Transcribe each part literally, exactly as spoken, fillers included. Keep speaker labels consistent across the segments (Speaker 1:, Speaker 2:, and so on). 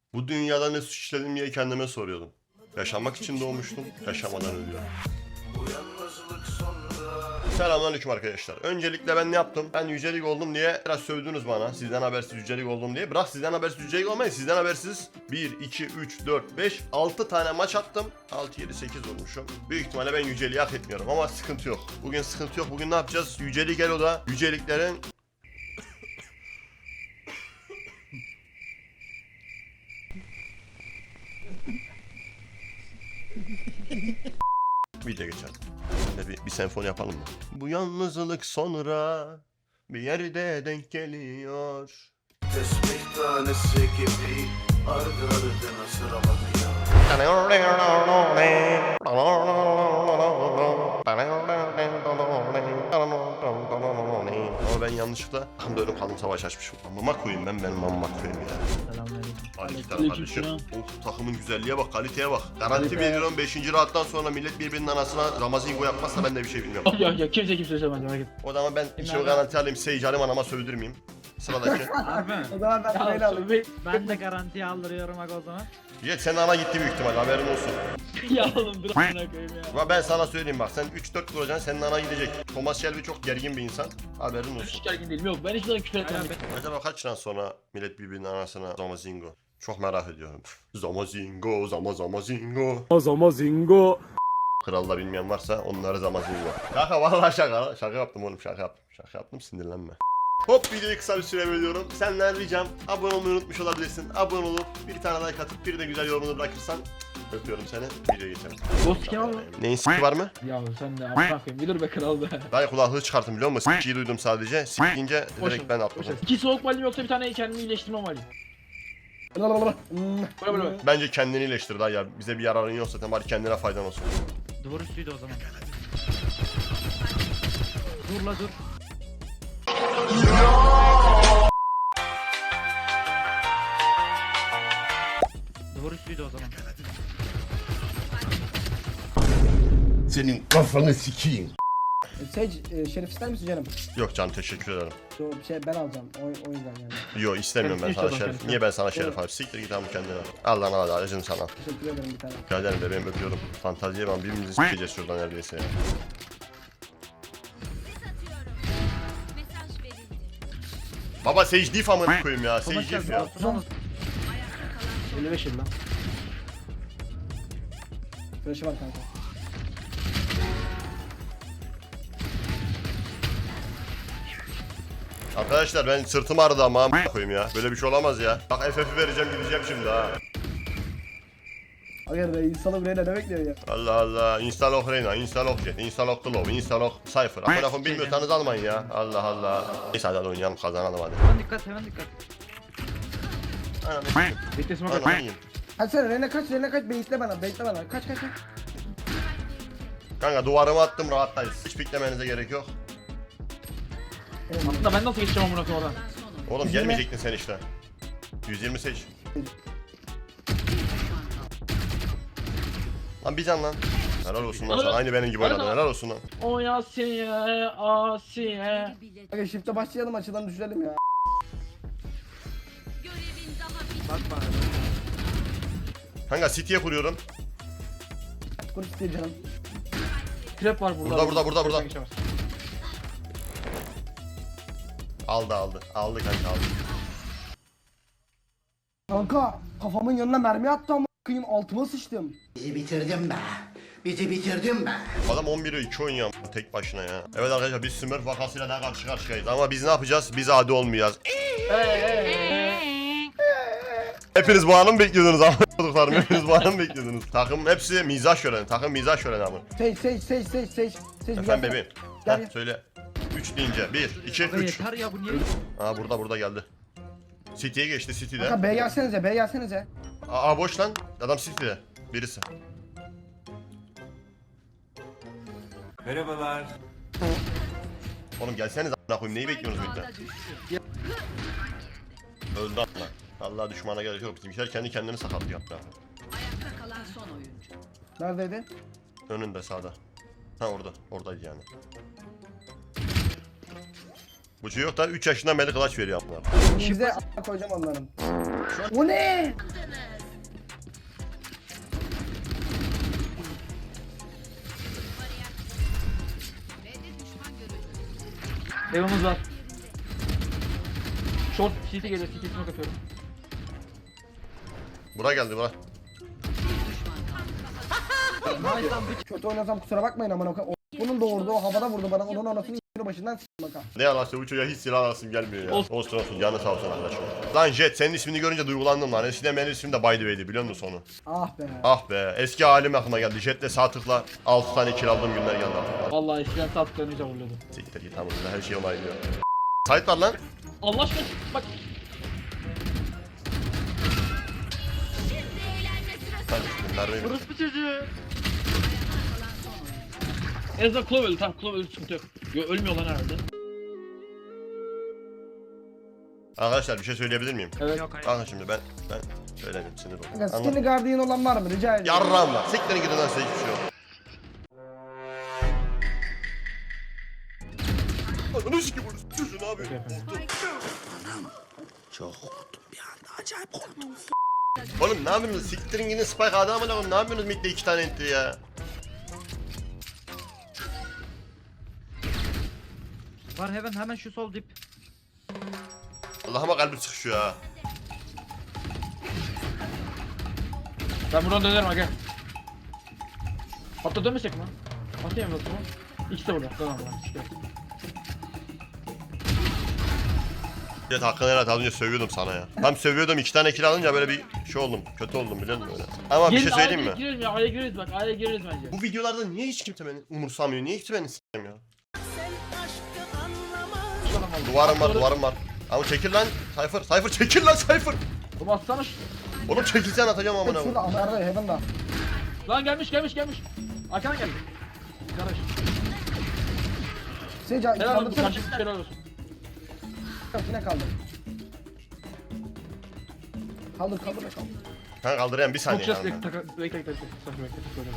Speaker 1: Bu dünyada ne suç işledim diye kendime soruyordum. Yaşamak için doğmuştum, yaşamadan ölüyorum. Selamünaleyküm arkadaşlar. Öncelikle ben ne yaptım? Ben yücelik oldum diye biraz sövdünüz bana. Sizden habersiz yücelik oldum diye. Bırak sizden habersiz yücelik olmayın. Sizden habersiz bir, iki, üç, dört, beş, altı tane maç attım. altı, yedi, sekiz olmuşum. Büyük ihtimalle ben yüceliği hak etmiyorum ama sıkıntı yok. Bugün sıkıntı yok. Bugün ne yapacağız? Yücelik Elo'da yüceliklerin... Video geçelim. Şimdi bir, bir senfoni yapalım mı? Bu yalnızlık sonra bir yerde denk geliyor.
Speaker 2: Tesbih tanesi gibi ardı ardına sıralanıyor.
Speaker 1: Ama ben yanlışlıkla tam ölüm kalım savaş açmışım. Amama koyayım ben benim amama koyayım ya.
Speaker 3: Selamünaleyküm.
Speaker 1: Aleyküm kardeşim. Of, takımın güzelliğe bak, kaliteye bak. Garanti veriyorum beşinci rahattan sonra millet birbirinin anasına Ramazingo yapmazsa ben de bir şey bilmiyorum.
Speaker 3: Ya ya kimse kimse söylemez merak etme.
Speaker 1: O zaman ben bir şey garanti alayım, Sage alayım, anama sövdürmeyeyim. Sıradaki.
Speaker 4: Abi.
Speaker 5: O zaman ben parayla
Speaker 3: Ya,
Speaker 5: alayım.
Speaker 3: be-
Speaker 4: Ben de garantiye aldırıyorum aga o zaman.
Speaker 1: Jet senin ana gitti büyük ihtimal, haberin olsun.
Speaker 3: ya oğlum dur amına koyayım ya.
Speaker 1: Ama ben sana söyleyeyim bak, sen üç dört vuracaksın, senin ana gidecek. Thomas Shelby çok gergin bir insan, haberin olsun.
Speaker 3: Hiç gergin değilim yok ben hiçbir zaman küfür etmem.
Speaker 1: Acaba kaç yıl sonra millet birbirinin anasına Zamazingo? Çok merak ediyorum. Zamazingo, Zama Zamazingo.
Speaker 6: Zamazingo.
Speaker 1: Kralda bilmeyen varsa onları Zamazingo. Şaka vallahi şaka. Şaka yaptım oğlum, şaka yaptım. Şaka yaptım, sinirlenme. Hop, videoyu kısa bir süre bölüyorum. Senden ricam abone olmayı unutmuş olabilirsin. Abone olup bir tane like atıp bir de güzel yorumunu bırakırsan öpüyorum seni. Videoya geçelim.
Speaker 3: Ghost kim abi?
Speaker 1: Neyin s**ki var mı?
Speaker 3: Ya sen de amına koyayım bir dur be kral be.
Speaker 1: Ben kulaklığı çıkarttım biliyor musun? S**kiyi duydum sadece. S**kince direkt ben atladım.
Speaker 3: İki soğuk malim yoksa bir tane kendimi iyileştirmem malim.
Speaker 5: Hmm.
Speaker 3: Böyle böyle böyle.
Speaker 1: Bence kendini iyileştir daha ya. Bize bir yararın yok zaten, bari kendine faydan olsun.
Speaker 4: Duvar üstüydü o zaman. Dur la dur. Duvar üstüydü o zaman.
Speaker 2: Senin kafanı sikeyim.
Speaker 5: Sage, e, Şerif ister misin canım?
Speaker 1: Yok canım, teşekkür ederim.
Speaker 5: Yo, şey ben alacağım. O, o yüzden yani.
Speaker 1: Yok istemiyorum ben
Speaker 3: Evet,
Speaker 1: sana
Speaker 3: inşallah
Speaker 1: şeref.
Speaker 3: kendisi.
Speaker 1: Niye ben sana şeref abi? Siktir git abi kendine. Al lan al acım sana.
Speaker 5: Teşekkür ederim bir tane.
Speaker 1: Rica ederim bebeğim, öpüyorum. Fantaziye ben birbirimizi sikeceğiz şuradan neredeyse ya. Baba Sage Diff amına koyayım ya. Sage Diff ya.
Speaker 3: elli beş yıl lan.
Speaker 5: Flash'ı var kanka.
Speaker 1: Arkadaşlar ben sırtım ağrıdı ama amına koyayım ya. Böyle bir şey olamaz ya. Bak F F'i vereceğim, gideceğim şimdi ha.
Speaker 5: Aga be insanı buraya ne bekliyor ya?
Speaker 1: Allah Allah. Instalok Reyna, Instalok Jet, Instalok Glove, Instalok Cypher. Amına koyayım bilmiyorsanız almayın ya. Allah Allah. Neyse hadi oynayalım, kazanalım hadi.
Speaker 4: Hemen dikkat hemen dikkat.
Speaker 1: Anam ne sikeyim.
Speaker 3: Beklesin
Speaker 1: Anam
Speaker 3: bakalım.
Speaker 1: yiyeyim.
Speaker 5: Hadi sen Rene kaç, Rene kaç, bekle bana, bekle bana. Kaç kaç kaç.
Speaker 1: Kanka duvarımı attım, rahattayız. Hiç beklemenize gerek yok.
Speaker 3: Aslında ben nasıl geçeceğim amına koyayım oradan?
Speaker 1: Oğlum
Speaker 5: yüz yirmi.
Speaker 1: gelmeyecektin sen işte. yüz yirmi seç. Lan bir can lan. Helal olsun lan sana. Aynı benim gibi oynadın. Helal olsun lan.
Speaker 3: O Asiye, Asiye.
Speaker 5: Aga shift'e başlayalım, açıdan düşürelim ya.
Speaker 4: Bakma.
Speaker 1: Kanka City'ye kuruyorum.
Speaker 5: Kur istiyor canım.
Speaker 3: Trap var burada.
Speaker 1: Burada, burada, burada, burada.
Speaker 3: Geçemez.
Speaker 1: Aldı aldı. Aldı kanka aldı.
Speaker 5: Kanka kafamın yanına mermi attı ama kıyım altıma sıçtım.
Speaker 2: Bizi bitirdin be. Bizi bitirdin be.
Speaker 1: Adam on bire iki oynuyor tek başına ya. Evet arkadaşlar biz Smurf vakasıyla daha karşı karşıyayız. Ama biz ne yapacağız? Biz adi olmayacağız. Hepiniz bu anı mı bekliyordunuz ama çocuklarım? Hepiniz bu anı mı bekliyordunuz? Takım hepsi mizah şöleni. Takım mizah şöleni ama.
Speaker 5: Sage, Sage, Sage, Sage, Sage. Sage
Speaker 1: Efendim bebeğim.
Speaker 5: Gel.
Speaker 1: Heh, söyle. üç deyince. bir, iki,
Speaker 4: Aga
Speaker 1: üç.
Speaker 4: yeter ya bu niye?
Speaker 1: Aa burada burada geldi. City'ye geçti City'de.
Speaker 5: Kanka B gelsenize, B gelsenize.
Speaker 1: Aa boş lan. Adam City'de. Birisi.
Speaker 2: Merhabalar.
Speaker 1: Oğlum gelseniz a**ına koyayım. Neyi bekliyorsunuz bizden? Öldü a**ına. Allah düşmana gerek yok. Bizimkiler kendi kendini sakatlıyor a**ına.
Speaker 7: Ayakta kalan son oyuncu.
Speaker 5: Neredeydi?
Speaker 1: Önünde sağda. Ha orada. Oradaydı yani. Bu çocuk da üç yaşından beri kılıç veriyor a**ına.
Speaker 5: Bize a** koyacağım onların. O ne?
Speaker 3: Evimiz var. Short C T geliyor. C T'sine kapıyorum.
Speaker 1: Bura geldi bura.
Speaker 5: Kötü oynasam kusura bakmayın amına koyayım. O- Bunun doğurdu o havada vurdu bana. Onun anasını y***ünü başından s***ım bakalım.
Speaker 1: Ne yalan söyleyeyim, bu çocuğa hiç silah alasım gelmiyor ya.
Speaker 3: Olsun.
Speaker 1: Olsun olsun, canı sağ olsun arkadaşım. Lan Jet, senin ismini görünce duygulandım lan. Eskiden benim ismim de By the Way'di, biliyor musun sonu?
Speaker 5: Ah be.
Speaker 1: Ah be, eski halim aklıma geldi. Jet'le sağ tıkla altı tane kill aldığım günler geldi aklıma.
Speaker 3: Vallahi eskiden tatlıklarını iyice vuruyordum.
Speaker 1: Siktir git tamam, her şey onaylıyor. Site var lan.
Speaker 3: Allah aşkına bak.
Speaker 1: Hadi bunlar benim.
Speaker 3: Burası bir çocuğu. Ezra Clovel'ı tamam Clovel'ı sıkıntı yok. Yo, ölmüyor lan herhalde.
Speaker 1: Arkadaşlar bir şey söyleyebilir miyim?
Speaker 3: Evet.
Speaker 4: Yok hayır.
Speaker 1: Bakın şimdi ben, ben söylemeyeyim, sinir oldum.
Speaker 5: Kanka
Speaker 1: Anladın?
Speaker 5: skinny guardian olan var mı? Rica ediyorum.
Speaker 1: Yarram var. Siktirin gidin lan, size hiçbir şey yok. Ananı sikim bunu. Çocuğu ne yapıyor?
Speaker 2: Çok korktum bir anda, acayip korktum.
Speaker 1: Oğlum ne yapıyorsunuz? Siktirin gidin Spike adamı lan. Ne yapıyorsunuz midde iki tane entry ya?
Speaker 4: Var heaven hemen şu sol dip.
Speaker 1: Allah'ıma kalbim sıkışıyor ha.
Speaker 3: Ben buradan dönerim aga. Hatta dönmesek mi? Atayım mı? İkisi de burada. Tamam lan. İşte.
Speaker 1: Evet hakkını helal et, az önce sövüyordum sana ya. Tam sövüyordum, iki tane kill alınca böyle bir şey oldum. Kötü oldum biliyor musun öyle? Ama bir şey söyleyeyim mi?
Speaker 3: A'ya gireriz ya. A'ya gireriz bak. A'ya gireriz bence.
Speaker 1: Bu videolarda niye hiç kimse beni umursamıyor? Niye hiç beni s**eyim ya? Duvarım var, duvarım var. Ama çekil lan Cypher, Cypher çekil lan Cypher.
Speaker 3: Oğlum atsana şu.
Speaker 1: Oğlum çekilsen atacağım amına
Speaker 5: Tek şurada
Speaker 1: koyayım.
Speaker 5: Amer'da Heaven'da.
Speaker 3: Lan gelmiş gelmiş gelmiş. Arkana geldi. Kardeş.
Speaker 5: Seyca
Speaker 3: Helal olsun.
Speaker 5: kaldırsana.
Speaker 3: Karşı helal olsun.
Speaker 5: Yine kaldır. Kaldır kaldır be kaldır.
Speaker 1: Ha kaldırayım bir saniye.
Speaker 3: Çok ses
Speaker 1: yani.
Speaker 3: bekle bekle bekle bekle. Sakın bekle. Söyle.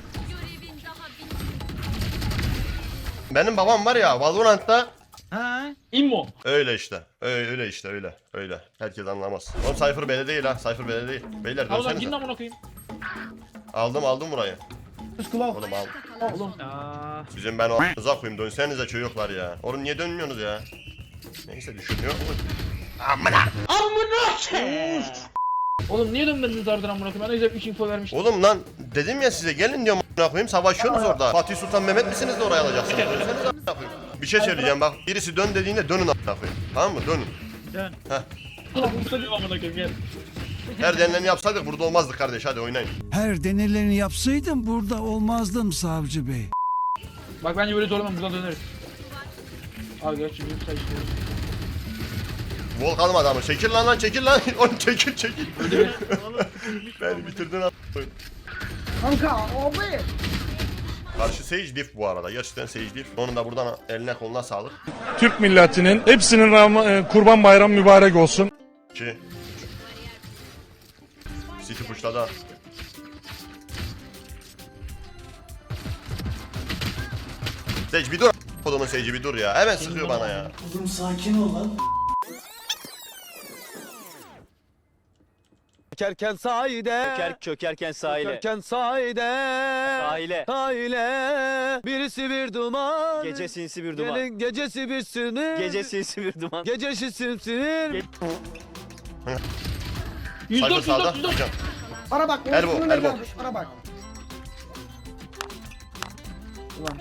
Speaker 1: Benim babam var ya Valorant'ta
Speaker 4: Ha?
Speaker 3: İmmo.
Speaker 1: öyle işte. Öyle, öyle işte öyle. Öyle. Herkes anlamaz. Oğlum Cypher bele değil ha. Cypher bele değil. Beyler
Speaker 3: Al lan gidin
Speaker 1: dönsenize.
Speaker 3: amına koyayım.
Speaker 1: Aldım aldım burayı.
Speaker 5: Üst kulak.
Speaker 1: Oğlum al.
Speaker 3: Oğlum.
Speaker 4: Aa,
Speaker 1: Sizin ben o a**ınıza koyayım. Dönsenize çocuklar ya. Oğlum niye dönmüyorsunuz ya? Neyse düşünüyor. Amına.
Speaker 3: Oğlum niye dönmediniz ardından amına koyayım? Ben de güzel üç info vermiştim.
Speaker 1: Oğlum lan dedim ya size gelin diyorum a**ına koyayım. Savaşıyorsunuz orada. Fatih Sultan Mehmet misiniz de oraya alacaksınız? Dönsenize a**ına koyayım. Bir şey söyleyeceğim bak. Birisi dön dediğinde dönün a**ına koyayım. Tamam mı? Dönün.
Speaker 4: dön.
Speaker 3: Oğlum ustacım amına koyayım gel.
Speaker 1: Her denileni yapsaydık burada olmazdık kardeş. Hadi oynayın.
Speaker 6: Her denelerini yapsaydım burada olmazdım savcı bey.
Speaker 3: Bak bence böyle zorlamam buradan döneriz. Abi gerçi büyük sayı işte.
Speaker 1: Vol kalmadı ama. Çekil lan lan çekil lan. Oğlum çekil çekil. Beni bitirdin a**ına koyayım.
Speaker 5: Kanka abi.
Speaker 1: Karşı Sage Diff bu arada. Gerçekten Sage Diff. Onun da buradan eline koluna sağlık.
Speaker 8: Türk milletinin hepsinin Ram- e, Kurban Bayramı mübarek olsun.
Speaker 1: iki City pushladı. Sage bir dur. Kodumun Sage'i bir dur ya. Hemen sıkıyor bana ya.
Speaker 2: Oğlum sakin ol lan.
Speaker 9: Çökerken sahide
Speaker 10: Çöker, çökerken sahile.
Speaker 9: Çökerken sahide
Speaker 10: Sahile.
Speaker 9: Sahile Birisi bir duman
Speaker 10: Gece sinsi bir duman.
Speaker 9: Gelin gecesi bir sinir
Speaker 10: Gece sinsi bir duman.
Speaker 9: Gecesi sinir
Speaker 10: Ge-
Speaker 3: yüz
Speaker 1: Cypher
Speaker 3: dört yüz
Speaker 1: sağda.
Speaker 3: dört yüz dört.
Speaker 1: Hocam.
Speaker 5: Bana bak.
Speaker 1: Elbow,
Speaker 5: Elbow,
Speaker 1: elbow.
Speaker 5: Bana bak.
Speaker 3: Ulan.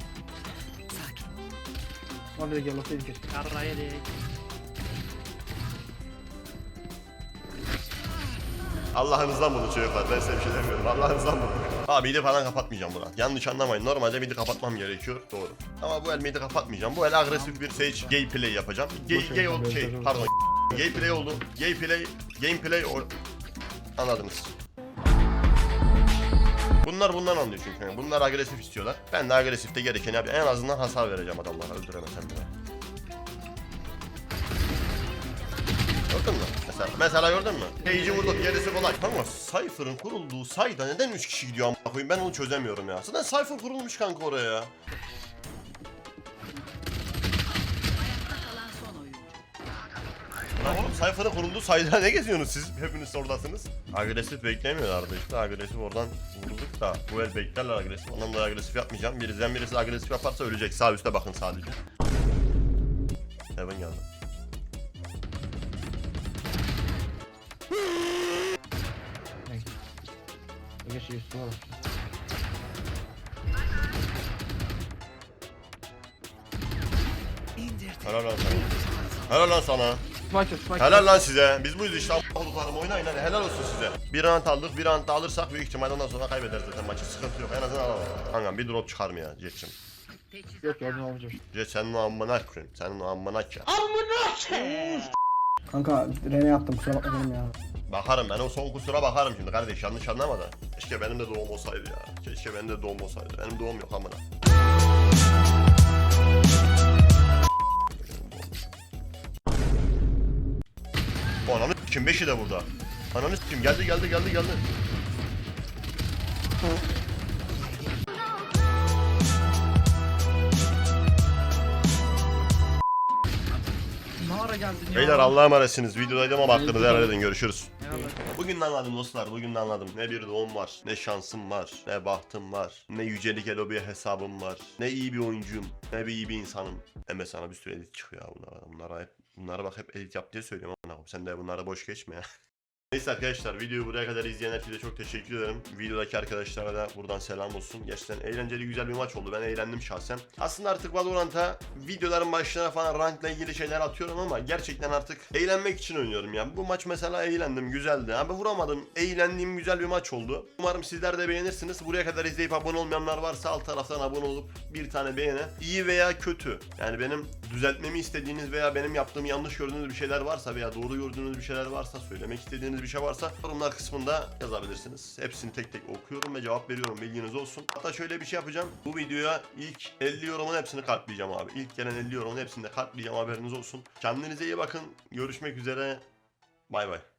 Speaker 3: Lan bir de gel lafayı keşke.
Speaker 4: Yarraya değil.
Speaker 1: Allah'ınızdan bunu çocuklar. Ben size bir şey demiyorum. Allah'ınızdan bunu. Abi midi falan kapatmayacağım buna. Yanlış anlamayın. Normalde midi kapatmam gerekiyor. Doğru. Ama bu el midi kapatmayacağım. Bu el agresif bir Sage gameplay yapacağım. Gay, gay oldu şey. Pardon. Gameplay oldu. Gameplay. Gameplay. O... Anladınız. Bunlar bundan anlıyor çünkü. Yani bunlar agresif istiyorlar. Ben de agresifte gerekeni yapayım. En azından hasar vereceğim adamlara. Öldüremesem bile. Gördün mü? Mesela, mesela gördün mü? Page'i vurduk, gerisi kolay. Ama Cypher'ın kurulduğu sayda neden üç kişi gidiyor amına koyayım? Ben onu çözemiyorum ya. Zaten Cypher kurulmuş kanka oraya ya.
Speaker 7: Kalan son oyuncu.
Speaker 1: Lan oğlum Cypher'ın kurulduğu sayda ne geziyorsunuz siz? Hepiniz oradasınız. Agresif beklemiyorlardı işte. Agresif oradan vurduk da. Bu el beklerler agresif. Ondan dolayı agresif yapmayacağım. Birizden birisi agresif yaparsa ölecek. Sağ üstte bakın sadece. Heaven geldi.
Speaker 3: Geç geç sonra.
Speaker 1: Helal lan sana. Helal lan sana.
Speaker 3: Spike spike.
Speaker 1: Helal lan size. Biz buyuz işte olduklarım oynayın hadi helal olsun size. Bir round aldık, bir round da alırsak büyük ihtimalle ondan sonra kaybederiz zaten maçı. Sıkıntı yok. En azından alalım. Kankam bir drop çıkar mı ya Jet'cim?
Speaker 3: Yok ya ne olacak?
Speaker 1: Jet senin o amına koyayım. Senin o amına ki.
Speaker 5: Kanka Rene yaptım kusura bakma benim ya.
Speaker 1: Bakarım ben o son kusura bakarım şimdi kardeş yanlış anlama da. Keşke benim de doğum olsaydı ya. Keşke benim de doğum olsaydı. Benim doğum yok amına. O ananı kim beşi de burada. Ananı kim geldi geldi geldi geldi.
Speaker 4: Ne ara geldin ya?
Speaker 1: Beyler Allah'a emanetsiniz. Videodaydım ama hakkınızı helal edin. Görüşürüz.
Speaker 4: Eyvallah.
Speaker 1: Bugün de anladım dostlar. Bugün de anladım. Ne bir doğum var. Ne şansım var. Ne bahtım var. Ne yücelik elobiye hesabım var. Ne iyi bir oyuncuyum. Ne bir iyi bir insanım. Hem sana bir sürü edit çıkıyor ya bunlara. Bunlara hep bunlara bak hep edit yap diye söylüyorum ama sen de bunlara boş geçme ya. Neyse arkadaşlar videoyu buraya kadar izleyen herkese çok teşekkür ederim. Videodaki arkadaşlara da buradan selam olsun. Gerçekten eğlenceli güzel bir maç oldu. Ben eğlendim şahsen. Aslında artık Valorant'a videoların başlarına falan rankla ilgili şeyler atıyorum ama gerçekten artık eğlenmek için oynuyorum ya. Bu maç mesela eğlendim, güzeldi. Abi vuramadım. Eğlendiğim güzel bir maç oldu. Umarım sizler de beğenirsiniz. Buraya kadar izleyip abone olmayanlar varsa alt taraftan abone olup bir tane beğeni. İyi veya kötü. Yani benim düzeltmemi istediğiniz veya benim yaptığım yanlış gördüğünüz bir şeyler varsa veya doğru gördüğünüz bir şeyler varsa, söylemek istediğiniz bir şey varsa yorumlar kısmında yazabilirsiniz. Hepsini tek tek okuyorum ve cevap veriyorum, bilginiz olsun. Hatta şöyle bir şey yapacağım. Bu videoya ilk elli yorumun hepsini kalpleyeceğim abi. İlk gelen elli yorumun hepsini de kalpleyeceğim, haberiniz olsun. Kendinize iyi bakın. Görüşmek üzere. Bay bay.